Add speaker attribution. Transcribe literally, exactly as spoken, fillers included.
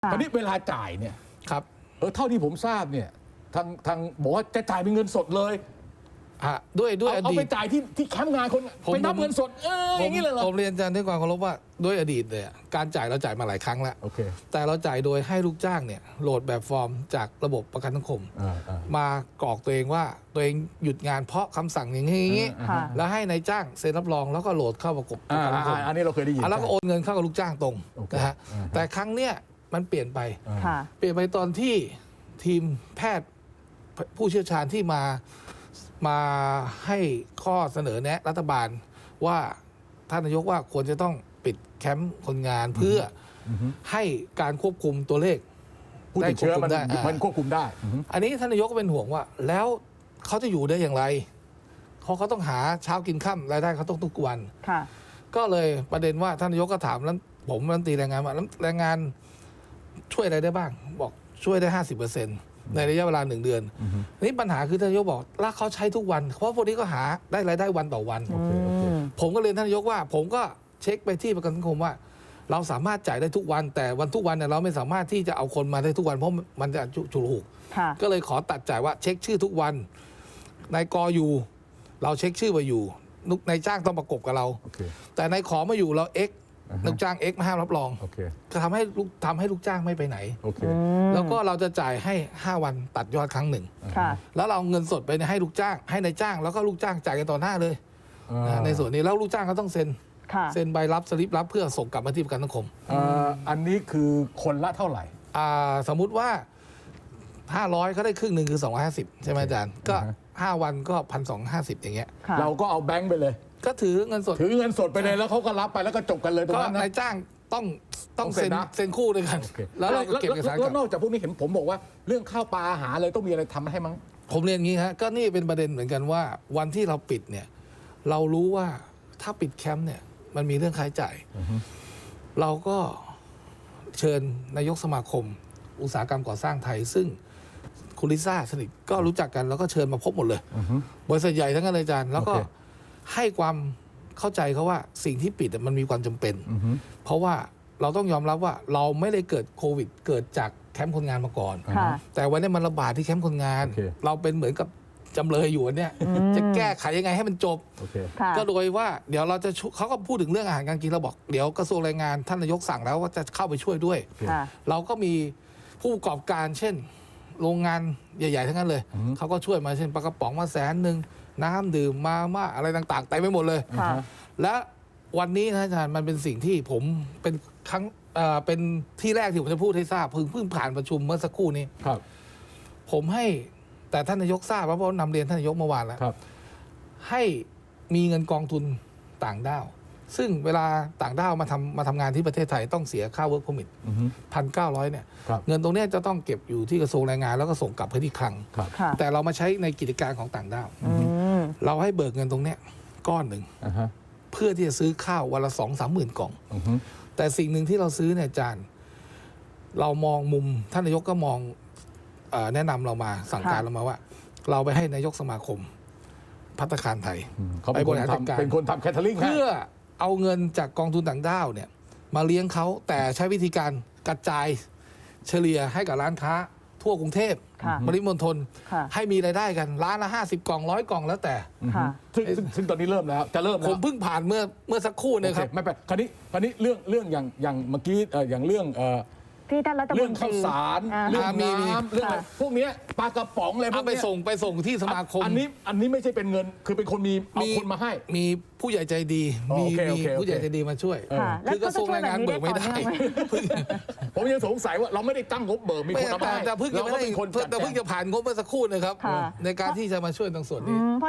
Speaker 1: ตอนนี้เวลาจ่ายเนี่ย
Speaker 2: ครับ
Speaker 1: เออเท่าที่ผมทราบเนี่ยทางทางบอกว่าจะจ่ายเป็นเงินสดเลย
Speaker 2: อ่ะด้วยด้วยอ
Speaker 1: เอา
Speaker 2: ดี
Speaker 1: ไป
Speaker 2: ต
Speaker 1: จ่ายที่ที่แคมป์งานคน
Speaker 2: ผม
Speaker 1: ไปนับเงินสดเอออย่างนี้เลยเหรอ
Speaker 2: ผมเรียนอาจารย์ด้วยความเคารพว่าด้วยอดีตเนี่ยการจ่ายเราจ่ายมาหลายครั้งแล้ว
Speaker 1: โอเค
Speaker 2: แต่เราจ่ายโดยให้ลูกจ้างเนี่ยโหลดแบบฟอร์มจากระบบประกันสังคม
Speaker 1: อ่าอ่าม
Speaker 2: ากรอกตัวเองว่าตัวเองหยุดงานเพราะคำสั่งอย่างนี้อย่างนี้
Speaker 3: ค่ะ
Speaker 2: แล้วให้นายจ้างเซ็นรับรองแล้วก็โหลดเข้าประกบป
Speaker 1: อ่า
Speaker 2: ระกันสังค
Speaker 1: อ่าม อันนี้เราเคยได้ยิน
Speaker 2: อ่ะแล้วก็โอนเงินเข้ากับลูกจ้างตรง
Speaker 1: โอเค
Speaker 2: นะฮะ
Speaker 1: อ่าฮะ
Speaker 2: แต่ครั้งเนี้ยมันเปลี่ยนไป
Speaker 1: อ่า
Speaker 3: ค่ะ
Speaker 2: เปลี่ยนไปตอนที่ทีมแพทย์ผู้เชี่ยวชาญที่มามาให้ข้อเสนอแนะรัฐบาลว่าท่านนายกว่าควรจะต้องปิดแคมป์คนงานเพื่ออให้การควบคุมตัวเลข
Speaker 1: ผู้ติดเชื้อมัน
Speaker 2: ได้ควบคุมได้
Speaker 1: มันควบคุมได้อือฮึ
Speaker 2: อันนี้ท่านนายกก็เป็นห่วงว่า แล้วเขาจะอยู่ได้อย่างไรเขาเขาต้องหาเช้ากินค่ำรายได้เขาต้องทุกวัน
Speaker 3: ค่ะ
Speaker 2: ก็เลยประเด็นว่าท่านนายกก็ถามแล้วผมรัฐมนตรีแรงงานว่าแล้วแรงงานช่วยอะไรได้บ้าง บอกช่วยได้ห้าสิบเปอร์เซ็นต์ในระยะเวลาหนึ่งเดือนนี่ปัญหาคือท่านนายกบอกแล้วเขาใช้ทุกวันเพราะพวกนี้ก็หาได้รายได้วันต่อวัน
Speaker 1: โอเคโอเค
Speaker 2: ผมก็เรียนท่านนายกว่า ผมก็เช็คไปที่ประกันสังคมว่า เราสามารถจ่ายได้ทุกวัน แต่วันทุกวันเนี่ยเราไม่สามารถที่จะเอาคนมาได้ทุกวันเพราะมันจะฉุกละหุก
Speaker 3: ค่ะ
Speaker 2: ก็เลยขอตัดจ่ายว่าเช็คชื่อทุกวันนายกออยู่ เราเช็คชื่อมาอยู่นุกนายจ้างต้องประกบกับเรา
Speaker 1: โอเค
Speaker 2: แต่นายขอมาอยู่เราเอ็ก
Speaker 1: อ่าฮะ
Speaker 2: ลูกจ้างเอ็กมาห้ามรับรอง
Speaker 1: โอเค
Speaker 2: ก็ทำให้ลูกทำให้ลูกจ้างไม่ไปไหน
Speaker 1: โอเค
Speaker 2: แล้วก็เราจะจ่ายให้ห้าวันตัดยอดครั้งหนึ่ง
Speaker 3: ค่ะ
Speaker 2: แล้วเราเอาเงินสดไปให้ลูกจ้าง ให้นายจ้างแล้วก็ลูกจ้างจ่ายกันต่อหน้าเลย
Speaker 1: อ่า
Speaker 2: นะในส่วนนี้แล้วลูกจ้างก็ต้องเซ็น
Speaker 3: ค่ะ
Speaker 2: เซ็นใบรับสลิปรับเพื่อส่งกลับมาที่ประกันสังคม
Speaker 1: อ่าอันนี้คือคนละเท่าไหร่
Speaker 2: อ่าสมมุติว่าห้าร้อยเขาได้ครึ่งหนึ่งคือสองร้อยห้าสิบใช่ไหมอาจารย์ก็
Speaker 1: อ่าฮะ
Speaker 2: ห้าวันก็พันสองห้าสิบอย่างเงี้ย
Speaker 3: ค่ะ
Speaker 1: เราก็เอาแบงค์ไปเลย
Speaker 2: ก็ถือเงินสด
Speaker 1: ถือเงินสดไปเลยแล้วเขาก็รับไปแล้วก็จบกันเลยตรง
Speaker 2: ก็
Speaker 1: นั้นนะ
Speaker 2: นายจ้างต้องต้อง
Speaker 1: ต้องเซ็
Speaker 2: เซ็
Speaker 1: น
Speaker 2: น
Speaker 1: นะ
Speaker 2: เซ็นคู่ด้วยกัน
Speaker 1: โอเค
Speaker 2: แล้วเราก็เก็บเอกสารก
Speaker 1: แล้
Speaker 2: ลั
Speaker 1: วน
Speaker 2: บ
Speaker 1: อกจากพวกนี้เห็นผมบอกว่าเรื่องข้าวปลาอาหารอะไรต้องมีอะไรทำให้มั้ง
Speaker 2: ผมเรียนงี้ฮะก็นี่เป็นประเด็นเหมือนกันว่าวันที่เราปิดเนี่ย เรารู้ว่าถ้าปิดแคมป์เนี่ย มันมีเรื่องค่าใช้จ่ายเราก็เชิญนายกสมาคม อุตสาหกรรมก่อสร้างไทย ซึ่งคุณลิซ่าสนิทก็รู้จักกันแล้วก็เชิญมาพบหมดเลยบริษัทใหญ่ทั้งนั้นเลยอาจารย์ แล้วก็
Speaker 1: โอเค
Speaker 2: ให้ความเข้าใจเขาว่าสิ่งที่ปิดอะมันมีความจำเป็น เพราะว่าเราต้องยอมรับว่าเราไม่ได้เกิดโควิด เกิดจากแคมป์คนงานมาก่อน
Speaker 3: ค่ะ
Speaker 2: แต่วันนี้มันระบาดที่แคมป์คนงาน
Speaker 1: โอเค
Speaker 2: เราเป็นเหมือนกับจำเลยอยู่อันเนี่ยจะแก้ไขยังไงให้มันจบ
Speaker 1: โอเค
Speaker 3: ค่ะ
Speaker 2: ก็โดยว่าเดี๋ยวเราจะช่วยเขาก็พูดถึงเรื่องอาหารการกินเราบอกเดี๋ยวกระทรวงแรงงานท่านนายกสั่งแล้วว่าจะเข้าไปช่วยด้วย
Speaker 3: ค่ะ
Speaker 2: เราก็มีผู้ประกอบการเช่น โรงงานใหญ่ๆทั้งนั้นเลย เขาก็ช่วยมาเช่นปลากระป๋องมาแสนหนึ่งน้ำดื่มมาม่าอะไรต่างๆเต็มไปหมดเลย
Speaker 3: ค่ะ
Speaker 2: และวันนี้นะอาจารย์มันเป็นสิ่งที่ผมเป็นครั้งเอ่อเป็นที่แรกที่ผมจะพูดให้ทราบเพิ่งเพิ่งผ่านประชุมเมื่อสักครู่นี้
Speaker 1: ครับ
Speaker 2: ผมให้แต่ท่านนายกทราบเพราะว่านำเรียนท่านนายกเมื่อวานแล้ว
Speaker 1: ครับ
Speaker 2: ให้มีเงินกองทุนต่างด้าว ซึ่งเวลาต่างด้าวมาทำมาทำงานที่ประเทศไทยต้องเสียค่า work permit พันเก้าร้อยเนี่ย
Speaker 1: ครับ
Speaker 2: เงินตรงเนี้ยจะต้องเก็บอยู่ที่กระทรวงแรงงานแล้วก็ส่งกลับไปที่คลัง
Speaker 1: ครับ
Speaker 3: ค่ะ
Speaker 2: แต่เรามาใช้ในกิจการของต่างด้าว
Speaker 3: อืม
Speaker 2: เราให้เบิกเงินตรงเนี้ยก้อนหนึ่ง
Speaker 1: อ่าฮะ
Speaker 2: เพื่อที่จะซื้อข้าววันละสองสามหมื่นกล่อง
Speaker 1: อือฮึ
Speaker 2: แต่สิ่งหนึ่งที่เราซื้อเนี่ยอาจารย์ เรามองมุมท่านนายกก็มองเออแนะนำเรามาสั่งการเรามาว่า เราไปให้นายกสมาคมภัตตาคารไทย
Speaker 1: อืมเขาเป็นคน
Speaker 2: ไปบริหารจัดการ
Speaker 1: ทำเป็นคนทำแคทเทอริงให้
Speaker 2: เพื่อเอาเงินจากกองทุนต่างด้าวเนี่ย มาเลี้ยงเขาแต่ใช้วิธีการกระจายเฉลี่ยให้กับร้านค้า ทั่วกรุงเทพ
Speaker 3: ค่ะ
Speaker 2: ปริมณฑล
Speaker 3: ค่ะ
Speaker 2: ให้มีรายได้กันร้านละห้าสิบกล่องร้อยกล่องแล้วแต่
Speaker 3: ค่ะ
Speaker 1: ซึ่งซึ่งซึ่งตอนนี้เริ่มแล้ว จะเริ่ม
Speaker 2: ผ
Speaker 1: แล้ว
Speaker 2: มเพิ่งผ่านเมื่อเมื่อสักครู่เนี่ย
Speaker 1: โอ
Speaker 2: ค
Speaker 1: เครับ ไม่เป็นคราวนี้คราวนี้เรื่องเรื่องอย่างอย่างเมื่อกี้เอ่ออย่างเรื่องเอ่อ
Speaker 3: ที่ท่านรัฐมนตรี
Speaker 1: เรื่องข้าวสาร
Speaker 3: อ่า
Speaker 1: เรื่อง
Speaker 2: อ่ามีมี
Speaker 1: น้ำเรื่องอะไร
Speaker 3: ค่ะ
Speaker 1: พวกเนี้ยปลากระป๋องอะไรพว
Speaker 2: เอา
Speaker 1: ก
Speaker 2: ไป
Speaker 1: เนี้ย
Speaker 2: ส่งไปส่งที่สมาคม
Speaker 1: อันนี้อันนี้ไม่ใช่เป็นเงิน คือเป็นคนมีเอาคนมาให้
Speaker 2: มีผู้ใหญ่ใจดี
Speaker 1: อ๋อ
Speaker 2: มี
Speaker 1: โอเคโอ
Speaker 2: มี
Speaker 1: เคโอเค
Speaker 2: ผู้ใหญ่ใจดีมาช่วย
Speaker 3: ค่ะ
Speaker 2: คือกระทรวงแรงงานเบิกไม่ได้
Speaker 3: แล้วเขาจะช่วยแบบนี้ได้ต่อเนื่องไหม
Speaker 1: ผมยังสงสัยว่าเราไม่ได้ตั้งงบเบิกมีคนเอามา
Speaker 2: แต่
Speaker 1: ให้
Speaker 2: แต่เพิ่งจะ
Speaker 1: เรา
Speaker 2: ไม่
Speaker 1: ก็
Speaker 2: ได้
Speaker 1: เป็นคน
Speaker 2: เพิ่ง
Speaker 1: จัด
Speaker 2: แต่เพิ่ง
Speaker 1: แจง
Speaker 2: จะผ่านงบเมื่อสักครู่นะครับ
Speaker 3: ค่ะ
Speaker 2: ในการที่จะมาช่วยตรงส่วน
Speaker 3: อื
Speaker 2: นี้
Speaker 3: มเพราะ